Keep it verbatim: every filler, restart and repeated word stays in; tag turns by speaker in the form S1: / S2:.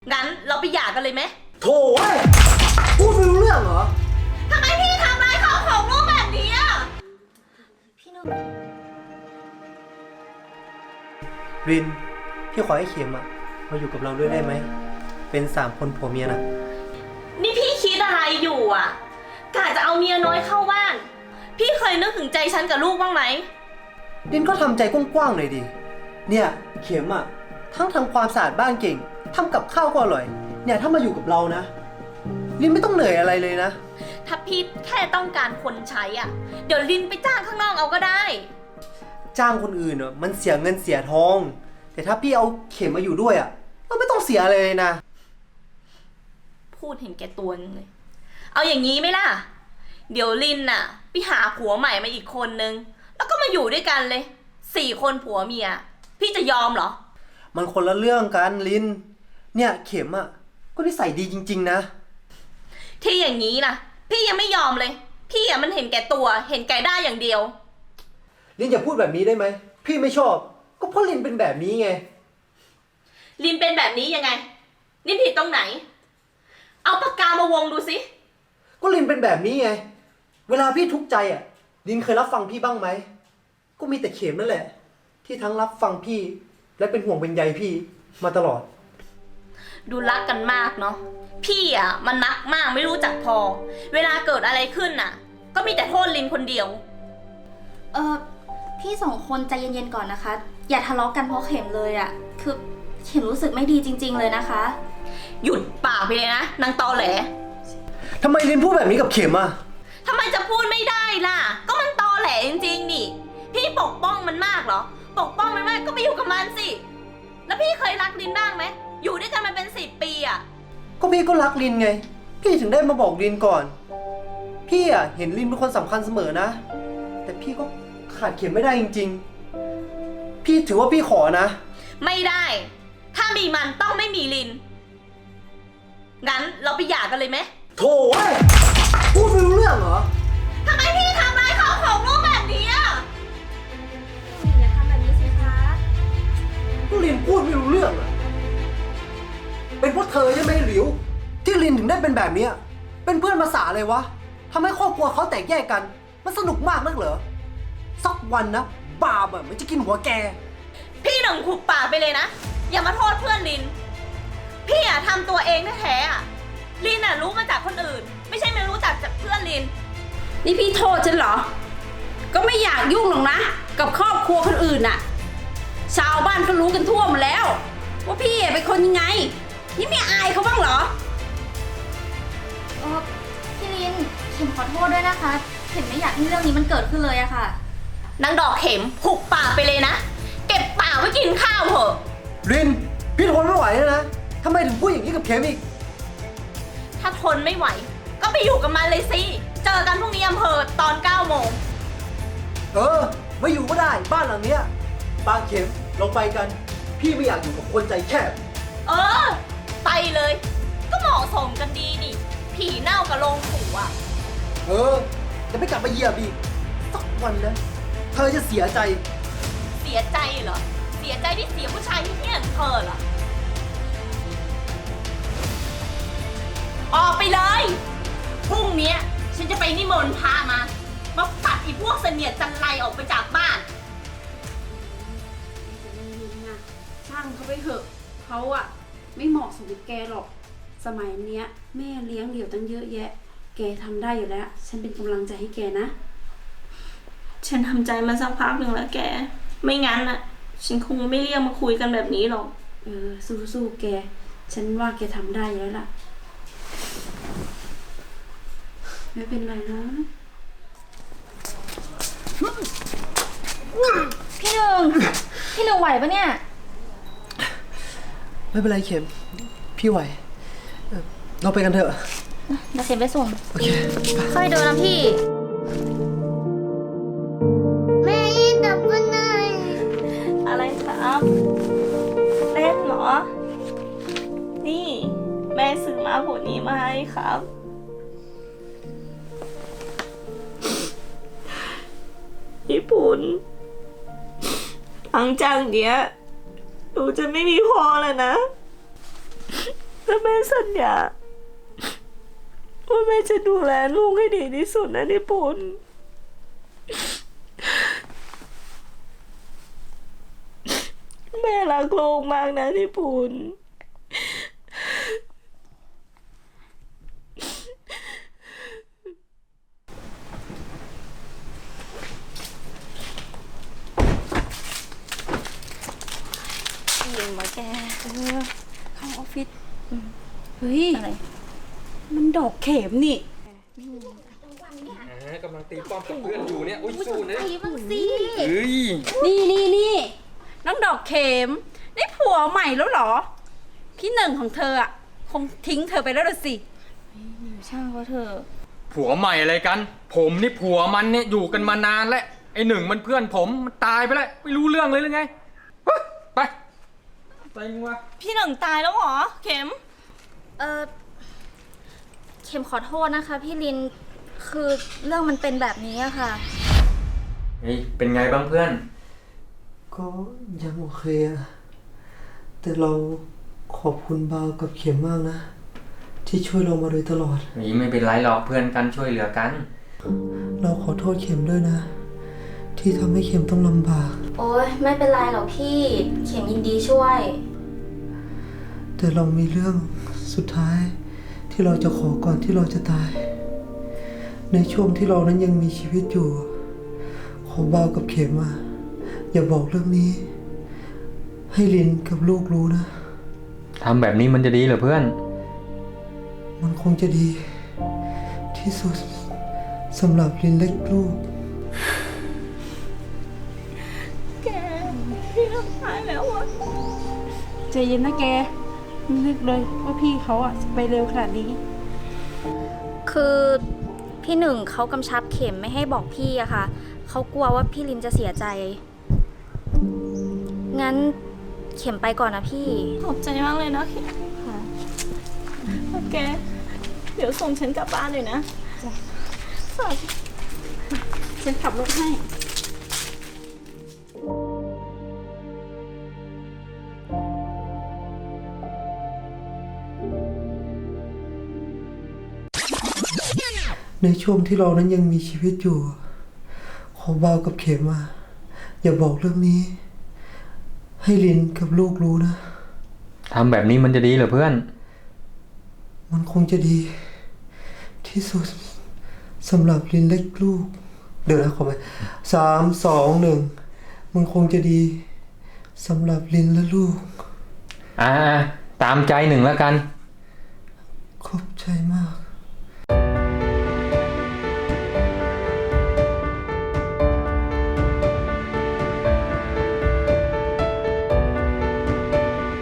S1: งั้นเราไปหย่ากันเลยไหม
S2: โถ่เว้ยพูดไม่รู้เรื่องเหรอ
S1: ทำไมพี่ทำร้ายเขาของลูกแบบนี้อ่ะพี่นุ่น
S2: รินพี่ขอให้เข็มอะมาอยู่กับเราด้วยได้ไหมเป็นสามคนผัวเมียนะ
S1: นี่พี่คิดอะไรอยู่อ่ะกะจะเอาเมียน้อยเข้าบ้านพี่เคยนึกถึงใจฉันกับลูกบ้างไหม
S2: รินก็ทำใจกว้างๆหน่อยดิเนี่ยเข็มอะทั้งทำความสะอาดบ้านเก่งทำกับข้าวก็อร่อยเนี่ยถ้ามาอยู่กับเรานะรินไม่ต้องเหนื่อยอะไรเลยนะ
S1: ถ้าพี่แค่ต้องการคนใช้อ่ะเดี๋ยวลินไปจ้างข้างนอกเอาก็ได้
S2: จ้างคนอื่นอะมันเสียเงินเสียทองแต่ถ้าพี่เอาเข็มมาอยู่ด้วยอะเราไม่ต้องเสียอะไรเลยนะ
S1: พูดเห็นแก่ตัวนึงเลยเอาอย่างนี้ไหมล่ะเดี๋ยวลินน่ะไปหาผัวใหม่มาอีกคนนึงแล้วก็มาอยู่ด้วยกันเลยสี่คนผัวเมียพี่จะยอมเหรอ
S2: มันคนละเรื่องกันลินเนี่ยเข็มอะก็นิสัยดีจริงๆนะ
S1: ที่อย่างนี้นะพี่ยังไม่ยอมเลยพี่อะมันเห็นแก่ตัวเห็นแก่ได้อย่างเดียว
S2: ลินอย่าพูดแบบนี้ได้ไหมพี่ไม่ชอบก็เพราะลินเป็นแบบนี้ไง
S1: ลินเป็นแบบนี้ยังไงลินผิดตรงไหนเอาปากกามาวงดูสิ
S2: ก็ลินเป็นแบบนี้ไงเวลาพี่ทุกข์ใจอ่ะลินเคยรับฟังพี่บ้างไหมก็มีแต่เข็มนั่นแหละที่ทั้งรับฟังพี่และเป็นห่วงเป็นใยพี่มาตลอด
S1: ดูรักกันมากเนาะพี่อ่ะมันรักมากไม่รู้จักพอเวลาเกิดอะไรขึ้นน่ะก็มีแต่โทษลินคนเดียว
S3: เออพี่สองคนใจเย็นๆก่อนนะคะอย่าทะเลาะกันเพราะเข็มเลยอะคือเข็มรู้สึกไม่ดีจริงๆเลยนะคะ
S1: หยุดปากไปเลยนะนางตอแหล
S2: ทำไมลินพูดแบบนี้กับเข็มอ่ะ
S1: ทำไมจะพูดไม่ได้ล่ะก็มันตอแหลจริงๆนี่พี่ปกป้องมันมากเหรอปกป้องมันมากก็ไปอยู่กับมันสิแล้วพี่เคยรักลินบ้างไหมอยู่ด้วยกันมาเป็นสิบปีอ่ะ
S2: ก็พี่ก็รักลินไงพี่ถึงได้มาบอกลินก่อนพี่อ่ะเห็นลินเป็นคนสำคัญเสมอนะแต่พี่ก็ขาดเข็มไม่ได้จริงๆพี่ถือว่าพี่ขอนะ
S1: ไม่ได้ถ้ามีมันต้องไม่มีลินงั้นเราไปหย่ากันเลยไหม
S2: โถ่เว้ยพูดไม่รู้เรื่องเหรอ
S1: ทำไมพี่ทำร้ายเขาของลูกแบบนี้อ่ะ
S3: อย่าทำแบบนี้สิคะ
S2: ก็ลินพูดไม่รู้เรื่องอ่ะเป็นเพราะเธอใช่ไหมหลิวที่ลินถึงได้เป็นแบบนี้เป็นเพื่อนภาษาเลยวะทำให้ครอบครัวเขาแตกแยกกันมันสนุกมากนักเหรอสักวันนะบาปอ่ะมันจะกินหัวแก
S1: พี่หนึ่งขุบปากไปเลยนะอย่ามาโทษเพื่อนลินพี่อะทำตัวเองแท้ๆอะลินอะรู้มาจากคนอื่นไม่ใช่ไม่รู้จักจากเพื่อนลิน
S4: นี่พี่โทษฉันเหรอก็ไม่อยากยุ่งหรอกนะกับครอบครัวคนอื่นน่ะชาวบ้านก็รู้กันทั่วหมดแล้วว่าพี่เป็นคนยังไงนี่ไม่อายเขาบ้างเหรอ
S3: เออพี่ลินเข็มขอโทษด้วยนะคะเข็มไม่อยากให้เรื่องนี้มันเกิดขึ้นเลยอะค่ะ
S1: นางดอกเข็มหุบปากไปเลยนะเก็บปากไว้กินข้าวเถอะ
S2: ลินพี่ทนไม่ไหวแล้วนะทำไมถึงพูดอย่างนี้กับเข็มอีก
S1: ถ้าทนไม่ไหวก็ไปอยู่กับมันเลยสิเจอกันพรุ่งนี้อำเภอตอนเก้าโมง
S2: เออไม่อยู่ก็ได้บ้านหลังเนี้ยบางเข็มลงไปกันพี่ไม่อยากอยู่กับคนใจแคบ
S1: เออไปเลยก็เหมาะสมกันดีนี่ผีเน่ากับโรงผูอ่ะ
S2: เออจะไม่กลับมาเหยียบอีกสักวันนะเธอจะเสียใจ
S1: เสียใจเหรอเสียใจที่เสียผู้ชายที่เที่ยงเธอเหรอออกไปเลยพรุ่งนี้ฉันจะไปนิมนต์พระมามาปัดอีพวกเสนียดจันไรออกไปจากบ้าน
S4: ช่างเขาไปเถอะเขาอะไม่เหมาะสมกับแกหรอกสมัยเนี้ยแม่เลี้ยงเดี่ยวตั้งเยอะแยะแกทำได้อยู่แล้วฉันเป็นกำลังใจให้แกนะ
S1: ฉันทำใจมาสักพักหนึ่งแล้วแกไม่งั้นอะฉันคงไม่เรียกมาคุยกันแบบนี้หรอก
S4: เออสู้ๆแกฉันว่าแกทำได้อยู่แล้วล่ะไม่เป็นไรนะ
S3: พี่หนึ่งพี่หนึ่งไหวปะเนี่ย
S2: ไม่เป็นไรเข็มพี่ไหวเราไปกันเถอะ
S3: เดี๋ยวเข็มไปส่ง
S2: โอเค
S3: ค่อยเดินนะพี่แม่ยิ่งดับกันหน่อย
S1: อะไรครับเล่นเหรอนี่แม่ซื้อมาผลนี้มาให้ครับญี่ปุ่นหลังจากเนี้ยหนูจะไม่มีพ่อแล้วนะและแม่สัญญาว่าแม่จะดูแลลูกให้ดีที่สุดนะนิพนธ์แม่รักลูกมากนะนิพนธ์ยิงมาแก
S4: เข้าออฟฟิศเฮ้ย
S1: อะไร
S4: มันดอกเข็มนี่
S5: กำลังตีป้อมกับเพื่อนอยู่เนี่ย อุ้ยสู้นะ
S3: ไอ้บ้างสิ
S5: เฮ้ย
S4: นี่นี่นี่น้องดอกเข็มได้ผัวใหม่แล้วเหรอ พี่หนึ่งของเธออ่ะ คงทิ้งเธอไปแล้วล่ะสิ
S3: ช่างเขาเถอะ
S5: ผัวใหม่อะไรกัน ผมนี่ผัวมันเนี่ยอยู่กันมานานแล้ว ไอ้หนึ่งมันเพื่อนผมมันตายไปแล้ว ไม่รู้เรื่องเลยหรือไงเฮ้ยไปไปมึงวะ
S1: พี่หนึ่งตายแล้วเหรอ เข็ม
S3: เออเข็มขอโทษนะคะพี่ลิน คือเรื่องมันเป็นแบบนี้อะค่ะ
S5: เฮ้ย เป็นไงบ้างเพื่อน
S2: ก็ยังโอเคอะแต่เราขอบคุณบาวกับเข็มมากนะ ที่ช่วยเรามาโดยตลอด
S5: นี่ไม่เป็นไรหรอกเพื่อนกันช่วยเหลือกัน
S2: เราขอโทษเข็มด้วยนะ ที่ทำให้เข็มต้องลำบาก
S3: โอ๊ยไม่เป็นไรหรอกพี่ เข็มยินดีช่วย
S2: แต่เรามีเรื่องสุดท้ายที่เราจะขอก่อนที่เราจะตาย ในช่วงที่เรานั้นยังมีชีวิตอยู่ ขอบาวกับเข็มมาอย่าบอกเรื่องนี้ ให้ลินกับลูกรู้นะ
S5: ทำแบบนี้มันจะดีเหรอเพื่อน
S2: มันคงจะดีที่สุดสำหรับลินเล็กลูก
S1: แก พี่ทำตายแล้วอ่ะ
S4: ใจเย็นนะแกไม่นึกเลยว่าพี่เขาอ่ะไปเร็วขนาดนี้
S3: คือพี่หนึ่งเขากำชับเข็มไม่ให้บอกพี่อะค่ะ เขากลัวว่าพี่ลินจะเสียใจ งั้นเข็มไปก่อนนะพี่
S1: ขอบใจมากเลยนะเข็ม
S3: ค่ะ
S1: แก เดี๋ยวส่งฉันกลับบ้านเลยนะฝาก
S4: ฉันขับรถให้
S2: ในช่วงที่เรานั้นยังมีชีวิตอยู่ ขอบาวกับเข็มมาอย่าบอกเรื่องนี้ ให้ลินกับลูกรู้นะ
S5: ทำแบบนี้มันจะดีเหรอเพื่อน
S2: มันคงจะดีที่สุดสำหรับลินเล็กลูก เดี๋ยวนะขอไปสามสองหนึ่งมันคงจะดีสำหรับลินและลูก
S5: อ่า ตามใจหนึ่งแล้วกัน
S2: ขอบใจมาก